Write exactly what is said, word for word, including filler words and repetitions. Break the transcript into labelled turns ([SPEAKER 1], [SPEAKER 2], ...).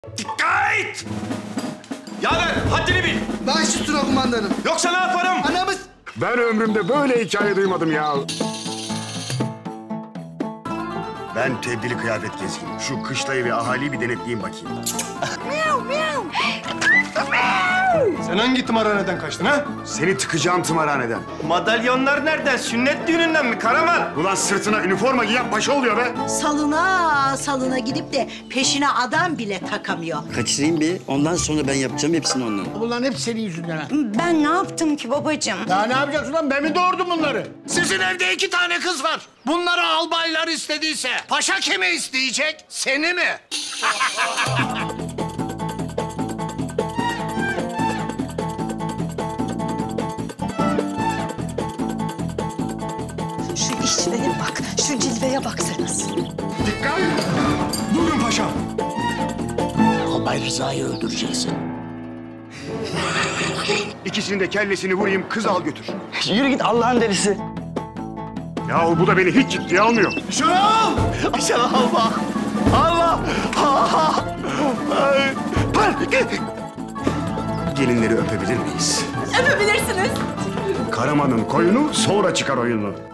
[SPEAKER 1] Dikkat! Yaver, haddini bil.
[SPEAKER 2] Baş üstüne kumandanım.
[SPEAKER 1] Yoksa ne yaparım?
[SPEAKER 2] Anamız...
[SPEAKER 3] Ben ömrümde böyle hikaye duymadım ya. Ben tebdili kıyafet gezeyim. Şu kışlayı ve ahaliyi bir denetleyeyim bakayım.
[SPEAKER 4] Sen hangi tımarhaneden kaçtın ha?
[SPEAKER 3] Seni tıkacağım tımarhaneden.
[SPEAKER 1] Madalyonlar nereden? Sünnet düğününden mi Karaman?
[SPEAKER 3] Ulan sırtına üniforma giyen paşa oluyor be.
[SPEAKER 5] Salına salına gidip de peşine adam bile takamıyor.
[SPEAKER 6] Kaçırayım bir, ondan sonra ben yapacağım hepsini ondan.
[SPEAKER 7] Bunların hep senin yüzünden ha.
[SPEAKER 8] Ben ne yaptım ki babacığım?
[SPEAKER 7] Daha ne yapacaksın lan? Ben mi doğurdum bunları? Sizin evde iki tane kız var. Bunları albaylar istediyse paşa kimi isteyecek? Seni mi?
[SPEAKER 8] Şu işveye bak, şu cilveye baksanız.
[SPEAKER 3] Dikkat!
[SPEAKER 4] Buyurun paşam.
[SPEAKER 7] Albay Rıza'yı öldüreceksin.
[SPEAKER 3] İkisinin de kellesini vurayım, kız al götür.
[SPEAKER 6] Yürü git Allah'ın delisi.
[SPEAKER 3] Yahu bu da beni hiç ciddiye almıyor.
[SPEAKER 1] Şunu al! Aşağı Allah! Allah!
[SPEAKER 3] Gelinleri öpebilir miyiz?
[SPEAKER 8] Öpebilirsiniz.
[SPEAKER 3] Karaman'ın koyunu sonra çıkar oyunu.